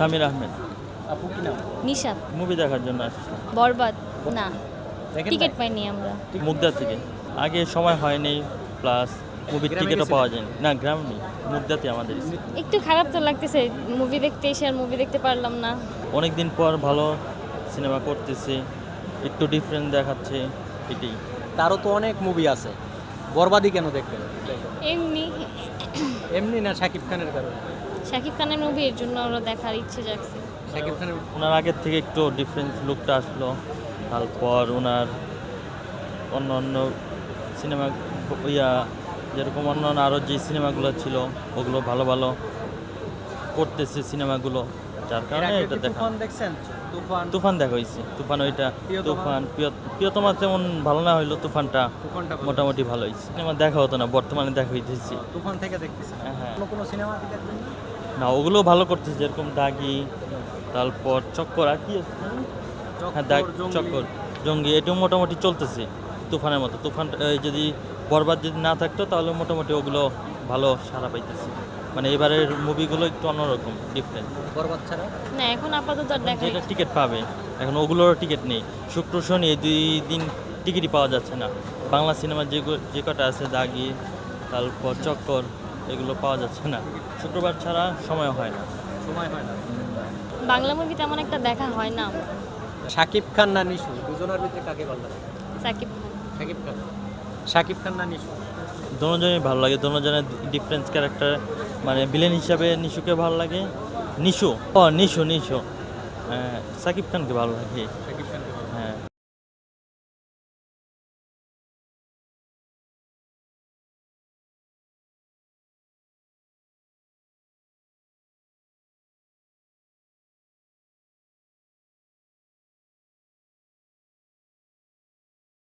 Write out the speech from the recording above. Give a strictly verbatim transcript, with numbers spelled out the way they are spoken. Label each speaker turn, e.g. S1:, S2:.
S1: সামির আহমেদ।
S2: আপু কি নাম?
S3: নিশাত।
S1: মুভি দেখার জন্য আসছিলাম
S3: বরবাদ না,
S2: দেখেন
S3: টিকিট
S2: নাই?
S3: পাইনি আমরা।
S1: মুগদা থেকে। আগে সময় হয়নি, প্লাস মুভির
S2: গ্রামে
S1: টিকিটও
S2: গেছিলেন?
S1: পাওয়া যায়নি। না, গ্রাম নেই, মুগদাতে আমাদের।
S3: একটু খারাপ তো লাগতেছে, মুভি দেখতে এসে আর মুভি দেখতে পারলাম না।
S1: অনেক দিন পর ভালো সিনেমা করতেছে, একটু ডিফারেন্ট দেখাচ্ছে, এটাই।
S2: তারও তো অনেক মুভি আছে, বরবাদি কেন দেখবেন?
S3: এমনি
S2: এমনি না শাকিব খানের কারণে?
S3: শাকিব খানের মুভি, এর জন্য ওরা দেখার ইচ্ছে জাগছে।
S2: শাকিব খানের
S1: ওনার আগের থেকে একটু ডিফারেন্স লুকটা আসলো, তারপর ওনার অন্য অন্য সিনেমা ইয়া যেরকম অন্য অন্য আরও যে সিনেমাগুলো ছিল ওগুলো ভালো ভালো করতেছে সিনেমাগুলো, যার
S2: এর
S1: কারণে
S2: আগে
S1: এটা
S2: কি
S1: দেখা।
S2: তুফান দেখছেন? তুফান
S1: তুফান দেখা হয়েছে, তুফান ওইটা
S2: প্রিয়তমা?
S1: তুফান প্রিয়- প্রিয়তমা তেমন ভালো না হইলো, তুফানটা
S2: তুফানটা ভালো।
S1: মোটামুটি ভালো হয়েছে। সিনেমা দেখা হতো না, বর্তমানে দেখা হইতেছি।
S2: তুফান থেকে দেখতেছেন?
S1: হ্যাঁ।
S2: অন্য কোনো সিনেমা দেখবেন?
S1: না, ওগুলো ভালো করতেছে, যেরকম দাগি, তারপর চক্কর, আর কি আছে? হ্যাঁ, দাগ,
S2: চক্কর, জঙ্গলি।
S1: চক্কর, জঙ্গি, এটাও মোটামুটি চলতেছে তুফানের মতো। তুফান এই যদি বরবাদ যদি না থাকতো তাহলে মোটামুটি ওগুলো ভালো সাড়া পাইতেছে। মানে এবারের মুভিগুলো একটু অন্যরকম, ডিফারেন্ট।
S2: বরবাদ ছাড়া
S3: না, এখন আপাতত আর দেখা
S1: যেটা টিকিট পাবে, এখন ওগুলোরও টিকিট নেই। শুক্র শনি এই দুই দিন টিকিটই পাওয়া যাচ্ছে না। বাংলা সিনেমার যে গো- যে কটা আছে, দাগি, তারপর চক্কর, এগুলো পাওয়া যাচ্ছে না। শুক্রবার ছাড়া সময় হয় না।
S2: সময় হয় না।
S3: বাংলা মুভি তেমন একটা দেখা হয় না আমার।
S2: শাকিব খান না নিশু, দুজনের ভিতরে কাকে ভালো লাগে?
S3: শাকিব খান।
S2: শাকিব খান। শাকিব খান না নিশু?
S1: দোনোজনই ভালো লাগে, দোনোজনের ডিফারেন্স ক্যারেক্টার। মানে ভিলেন হিসাবে নিশুকে ভালো লাগে। নিশু ও নিশু নিশু হ্যাঁ, সাকিব খানকে ভালো লাগে।
S2: শাকিব